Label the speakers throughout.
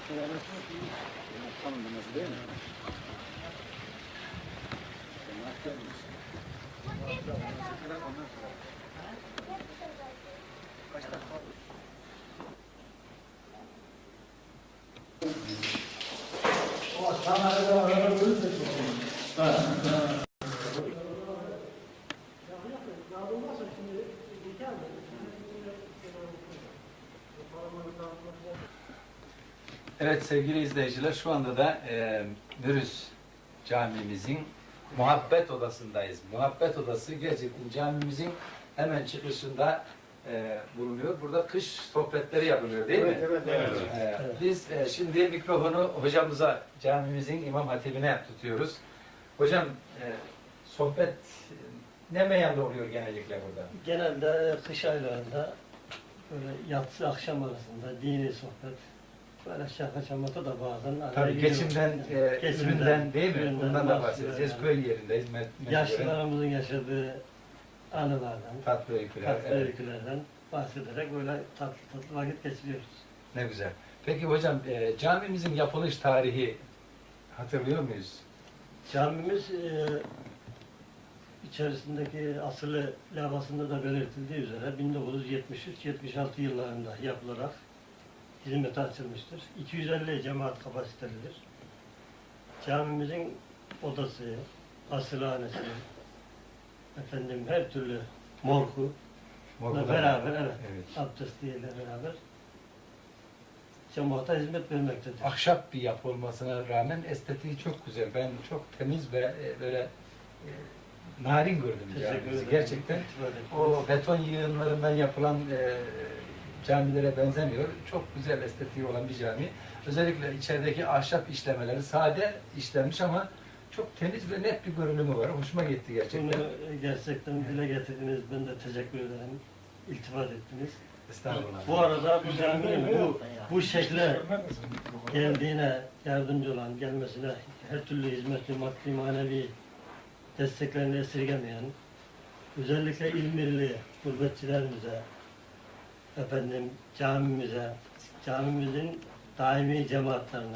Speaker 1: Tanımlaması değil mi? Kaç dakika? Evet sevgili izleyiciler, şu anda da Mürüz camimizin muhabbet odasındayız. Muhabbet odası gerçekten camimizin hemen çıkışında bulunuyor. Burada kış sohbetleri yapılıyor değil mi?
Speaker 2: Evet.
Speaker 1: Biz şimdi mikrofonu hocamıza, camimizin imam hatibine tutuyoruz. Hocam sohbet ne meyanda oluyor genellikle burada?
Speaker 2: Genelde kış aylarında böyle yatsı akşam arasında dini sohbet, böyle şaka şamata da bazen araya
Speaker 1: Tabii
Speaker 2: giriyor.
Speaker 1: geçimden, üründen değil mi?
Speaker 2: üründen
Speaker 1: Bundan da bahsedeceğiz.
Speaker 2: yani.
Speaker 1: Köy yerindeyiz.
Speaker 2: Yaşlılarımızın yaşadığı anılardan,
Speaker 1: Tatlı öyküler.
Speaker 2: tatlı öykülerden bahsederek böyle tatlı tatlı vakit geçiriyoruz.
Speaker 1: Ne güzel. Peki hocam camimizin yapılış tarihi hatırlıyor muyuz?
Speaker 2: Camimiz içerisindeki asılı levhasında da belirtildiği üzere 1973-76 yıllarında yapılarak hizmete açılmıştır. 250 cemaat kapasitelidir. Camimizin odası, asılhanesi, efendim her türlü morgu
Speaker 1: Morgu'da
Speaker 2: beraber,
Speaker 1: var.
Speaker 2: evet, abdestiyle beraber cemaate hizmet vermektedir.
Speaker 1: Ahşap bir yapı olmasına rağmen estetiği çok güzel. Ben çok temiz ve böyle narin gördüm
Speaker 2: Teşekkür
Speaker 1: camimizi.
Speaker 2: ederim.
Speaker 1: Gerçekten o beton yığınlarından yapılan camilere benzemiyor. Çok güzel estetiği olan bir cami. Özellikle içerideki ahşap işlemeleri sade işlenmiş ama çok temiz ve net bir görünümü var. Hoşuma gitti gerçekten.
Speaker 2: Bunu gerçekten dile getirdiniz. Ben de teşekkür ederim. İltifat ettiniz.
Speaker 1: Estağfurullah.
Speaker 2: Bu arada bu caminin bu şekle geldiğine yardımcı olan, gelmesine her türlü hizmetli, maddi, manevi desteklerini esirgemeyen, özellikle İzmirli gurbetçilerimize, efendim camimize, camimizin daimi cemaatlerine,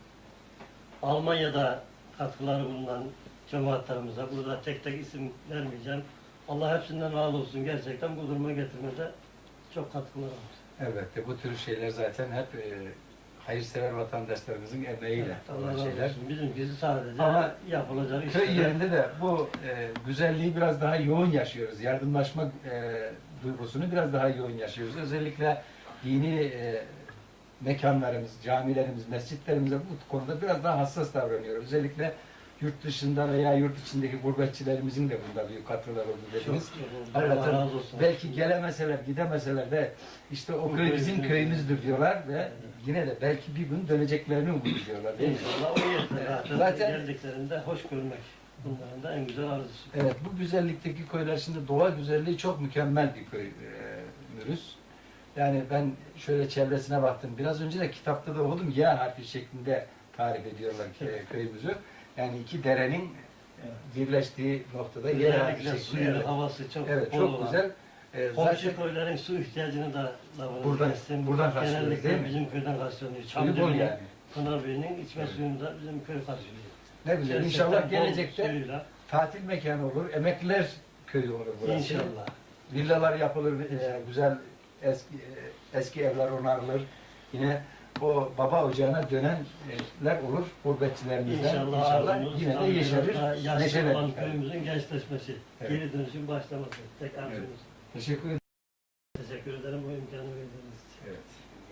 Speaker 2: Almanya'da katkıları bulunan cemaatlerimize, burada tek tek isim vermeyeceğim. Allah hepsinden razı olsun. Gerçekten bu duruma getirmede çok katkıları var.
Speaker 1: Elbette bu tür şeyler zaten hep hayırsever vatandaşlarımızın emeğiyle
Speaker 2: Evet, Allah
Speaker 1: olan
Speaker 2: razı
Speaker 1: şeyler.
Speaker 2: olsun. Bizimkisi sadece
Speaker 1: Ama
Speaker 2: yapılacak
Speaker 1: köy
Speaker 2: işler.
Speaker 1: yerinde de bu güzelliği biraz daha yoğun yaşıyoruz. Yardımlaşma duygusunu biraz daha yoğun yaşıyoruz. Özellikle dini mekanlarımız, camilerimiz, mescitlerimize bu konuda biraz daha hassas davranıyoruz. Özellikle yurt dışında veya yurt içindeki gurbetçilerimizin de bunda büyük katkıları oldu dediniz.
Speaker 2: Allah
Speaker 1: Hakikaten
Speaker 2: razı olsun.
Speaker 1: belki gelemeseler, gidemeseler de işte o köy bizim köyümüzdür diyorlar ve yine de belki bir gün döneceklerini umut ediyorlar değil mi?
Speaker 2: İnşallah o yeter.
Speaker 1: Zaten-
Speaker 2: Geldiklerinde hoş görmek. Bunların da en güzel arzusu.
Speaker 1: Evet, bu güzellikteki köyler şimdi doğa güzelliği çok mükemmel bir köy Mürüz. Yani ben şöyle çevresine baktım. Biraz önce de kitapta da okudum. Y harfi şeklinde tarif ediyorlar köyümüzü. Yani iki derenin birleştiği noktada Y harfi
Speaker 2: Özellikle
Speaker 1: şeklinde.
Speaker 2: suyu,
Speaker 1: Evet,
Speaker 2: havası çok
Speaker 1: evet
Speaker 2: bol
Speaker 1: çok
Speaker 2: olan.
Speaker 1: güzel.
Speaker 2: Komşu köylerin su ihtiyacını da
Speaker 1: buradan karşılıyoruz, değil
Speaker 2: genellikle
Speaker 1: mi?
Speaker 2: bizim köyden karşılanıyor.
Speaker 1: Suyu bol
Speaker 2: Çamlıbey'in,
Speaker 1: yani.
Speaker 2: Pınarbey'in içme suyunu da bizim köy karşılıyor.
Speaker 1: Ne güzel.
Speaker 2: Gerçekten
Speaker 1: İnşallah
Speaker 2: bol
Speaker 1: gelecekte
Speaker 2: suyuyla.
Speaker 1: tatil mekanı olur. Emekliler köyü olur burası.
Speaker 2: İnşallah.
Speaker 1: Villalar yapılır, güzel eski evler onarılır. Yine o baba ocağına dönenler olur gurbetçilerimizden.
Speaker 2: İnşallah arzumuz
Speaker 1: yine de yeşerir,
Speaker 2: yaşlı
Speaker 1: neşelenir.
Speaker 2: olan köyümüzün gençleşmesi,
Speaker 1: Evet.
Speaker 2: geri dönüşün başlaması. Tek arzumuz.
Speaker 1: Evet. Teşekkür ederim.
Speaker 2: Teşekkür ederim bu imkanı verdiğiniz için.
Speaker 1: Evet.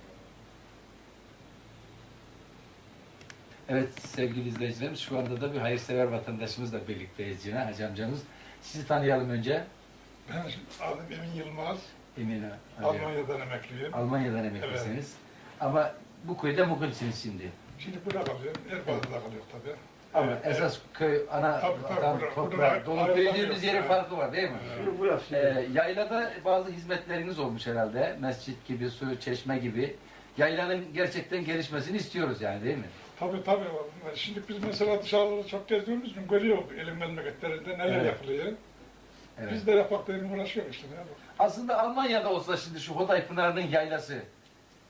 Speaker 1: Evet sevgili izleyicilerimiz, şu anda da bir hayırsever vatandaşımızla birlikteyiz yine Hacı amcamız. Sizi tanıyalım önce.
Speaker 3: Ben adım Emin Yılmaz,
Speaker 1: Emine.
Speaker 3: Almanya'dan emekliyim.
Speaker 1: Almanya'dan emeklisiniz. Ama bu köyde mukimsiniz şimdi.
Speaker 3: Şimdi burada kalıyorum, Erbağlı'da kalıyor tabii.
Speaker 1: Ama esas köy, ana
Speaker 3: Tabii,
Speaker 1: vatan,
Speaker 3: burada
Speaker 1: toprağı, dolu
Speaker 3: ayrılamıyor.
Speaker 1: büyüdüğümüz yerin
Speaker 3: Evet.
Speaker 1: farkı var değil mi?
Speaker 2: Şimdi bu yap şimdi.
Speaker 1: Yaylada bazı hizmetleriniz olmuş herhalde. Mescit gibi, su, çeşme gibi. Yaylanın gerçekten gelişmesini istiyoruz yani değil mi?
Speaker 3: Tabii. Şimdi biz mesela dışarıda çok gezdiğimiz için görüyoruz elin memleketlerinde neler
Speaker 1: Evet.
Speaker 3: yapılıyor.
Speaker 1: Evet.
Speaker 3: Biz de yapmak diye uğraşıyoruz işte. Ya.
Speaker 1: Aslında Almanya'da olsa şimdi şu Hoday Pınarı'nın yaylası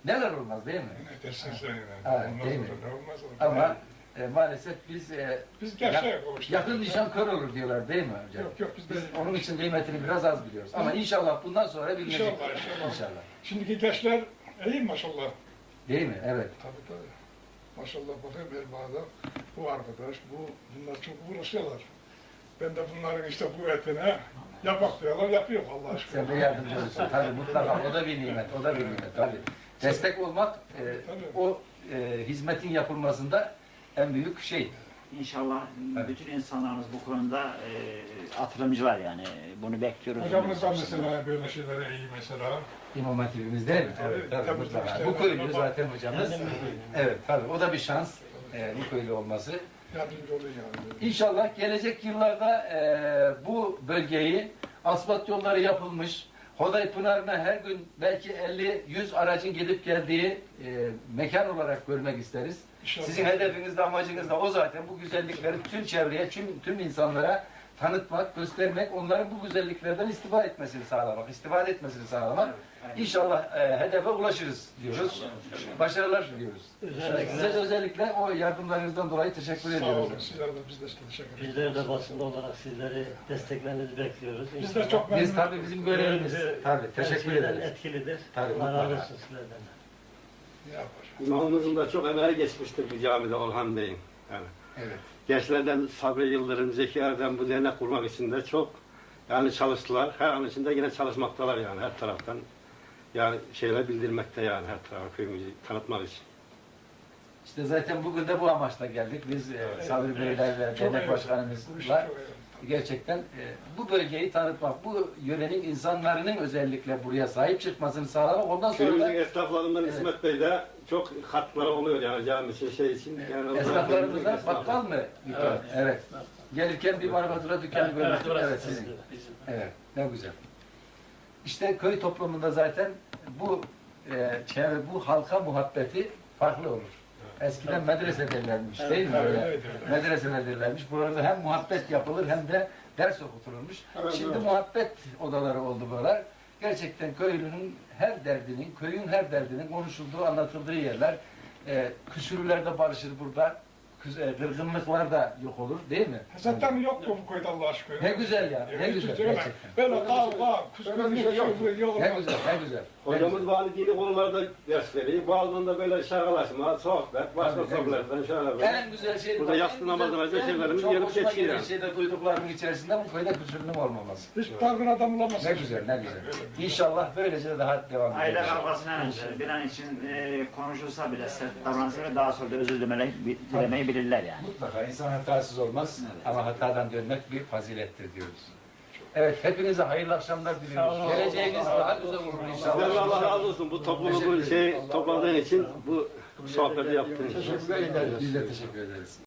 Speaker 1: Neler olmaz değil mi?
Speaker 3: Ne dersin sen yani?
Speaker 1: Evet,
Speaker 3: Olmaz
Speaker 1: değil mi?
Speaker 3: olur, ne olmaz olur.
Speaker 1: Ama maalesef biz
Speaker 3: Biz gerçeğe kavuştuk.
Speaker 1: yakın nişan kör olur diyorlar değil mi hocam?
Speaker 3: Yok yok biz de.
Speaker 1: Biz onun için kıymetini biraz az biliyoruz. Ama inşallah bundan sonra bilinecek.
Speaker 3: İnşallah.
Speaker 1: İnşallah.
Speaker 3: Şimdiki gençler iyi maşallah.
Speaker 1: Değil mi? Evet.
Speaker 3: Tabii. Maşallah bakayım Erbaa'da bu arkadaş, bunlar çok uğraşıyorlar. Ben de bunların işte bu etine yapak diyorlar, yapıyor Allah aşkına.
Speaker 1: Sen de yardımcı olursun. Tabii mutlaka. O da bir nimet. O da bir nimet. Tabii. Destek olmak o hizmetin yapılmasında en büyük şey.
Speaker 4: İnşallah
Speaker 1: Evet.
Speaker 4: bütün insanlarımız bu konuda atılımcılar yani. Bunu bekliyoruz.
Speaker 3: Hocamız da mesela böyle şeylere iyi mesela.
Speaker 1: İmam Hatibimiz değil mi? Evet, tabii,
Speaker 3: Tabii,
Speaker 1: mutlaka.
Speaker 3: tabii.
Speaker 1: Bu köylü zaten hocamız.
Speaker 2: Kendim de köylüyüm.
Speaker 1: Evet, tabii. O da bir şans. Bu köylü olması.
Speaker 3: Yardımcı oluyor yani.
Speaker 1: İnşallah gelecek yıllarda bu bölgeyi asfalt yolları yapılmış, Hoday Pınarı'na her gün belki 50-100 aracın gidip geldiği mekan olarak görmek isteriz.
Speaker 3: İnşallah.
Speaker 1: Sizin hedefiniz de amacınız da o zaten. Bu güzellikleri tüm çevreye, tüm insanlara tanıtmak, göstermek, onların bu güzelliklerden istifade etmesini sağlamak. İnşallah hedefe ulaşırız diyoruz. Başarılar diliyoruz. Size de özellikle o yardımlarınızdan dolayı teşekkür
Speaker 3: Sağ
Speaker 1: ediyoruz.
Speaker 3: olun, sizlere de biz de size teşekkür ederiz.
Speaker 2: Bizler de basında olarak sizleri desteklerinizi bekliyoruz.
Speaker 3: Biz de çok memnunuz.
Speaker 1: Biz tabii bizim görevimiz. Tabii teşekkür
Speaker 2: Her şeyden
Speaker 1: ederiz.
Speaker 2: etkilidir.
Speaker 1: Tabii,
Speaker 2: Allah razı
Speaker 1: mutlaka.
Speaker 2: olsun sizlerden.
Speaker 3: Ne yapar?
Speaker 5: İmamımızın da çok emeği geçmiştir bu camide Orhan Bey'in. Yani
Speaker 1: Evet.
Speaker 5: gençlerden Sabri Yıldırım, Zeki Erdem bu dernek kurmak için de çok yani çalıştılar. Her an içinde yine çalışmaktalar yani her taraftan. Yani şeyler bildirmekte yani her tarafı köyümüzü tanıtmak için.
Speaker 1: İşte zaten bugün de bu amaçla geldik. Biz Sabri Beyler ve
Speaker 3: Çok
Speaker 1: dernek
Speaker 3: iyi.
Speaker 1: başkanımızla
Speaker 3: Bu işi çok iyi.
Speaker 1: gerçekten bu bölgeyi tanıtmak, bu yörenin insanların özellikle buraya sahip çıkmasını sağlamak. Ondan sonra
Speaker 5: Köyümüzün
Speaker 1: da
Speaker 5: esnaflarından
Speaker 1: Evet.
Speaker 5: İsmet Bey de çok katkıları oluyor yani cami için şey için. Yani
Speaker 1: esnaflarımızdan bakkal mı?
Speaker 5: Evet.
Speaker 1: Evet. Gelirken bir marfatura dükkanı görmüştük. Evet sizin.
Speaker 2: Bizim.
Speaker 1: Evet, ne güzel. İşte köy toplumunda zaten bu çevre, bu halka muhabbeti farklı olur. Eskiden medrese derlermiş değil mi?
Speaker 3: Evet,
Speaker 1: Öyle?
Speaker 3: evet, evet.
Speaker 1: Medreseler derlermiş. Burada hem muhabbet yapılır hem de ders okutulurmuş.
Speaker 5: Evet,
Speaker 1: Şimdi
Speaker 5: evet.
Speaker 1: muhabbet odaları oldu buralar. Gerçekten köylünün her derdinin, köyün her derdinin konuşulduğu, anlatıldığı yerler. Küsürlerde barışır burada. Kırgınlıklar da yok olur değil mi?
Speaker 3: Zaten yok bu köyde Allah aşkına.
Speaker 1: Ne güzel ya, ne
Speaker 3: Hiç
Speaker 1: güzel
Speaker 3: kimse öyle-
Speaker 1: gerçekten.
Speaker 3: Böyle kavga,
Speaker 5: Öyle bir şey yok.
Speaker 3: kıskırtma yok.
Speaker 1: Ne güzel, ne güzel.
Speaker 5: Hocamız bazı dini konularda ders veriyor. Bazen de böyle şakalaşma, sohbet, başka
Speaker 1: Tabii, ne
Speaker 5: sohbetler şöyle böyle.
Speaker 1: En güzel şey
Speaker 5: Burada yatsı namazına önce şeylerimiz
Speaker 1: çok
Speaker 5: gelip
Speaker 1: hoşuma
Speaker 5: geçiyor
Speaker 1: giden
Speaker 5: yani.
Speaker 1: şey de duyduklarımın içerisinde bu köyde küsürlüğün olmaması.
Speaker 3: Hiç dargın adam bulamazsın.
Speaker 1: Ne güzel, ne güzel. İnşallah böylece daha devam
Speaker 4: Aile
Speaker 1: edecek.
Speaker 4: kavgasından önce bir an için konuşulsa bile sert davransa bile daha sonra da özür dilemeyi bilirler yani.
Speaker 1: Mutlaka insan hatasız olmaz
Speaker 4: Evet.
Speaker 1: ama hatadan dönmek bir fazilettir diyoruz. Evet, hepinize hayırlı akşamlar diliyoruz.
Speaker 2: Sağ olun.
Speaker 1: Geleceğiniz daha güzel olur
Speaker 5: Sizden Allah
Speaker 1: inşallah.
Speaker 5: razı olsun bu toplumu bu şey topladığın için bu sohbeti yaptığın için.
Speaker 1: Teşekkür ederiz. Biz de teşekkür ederiz.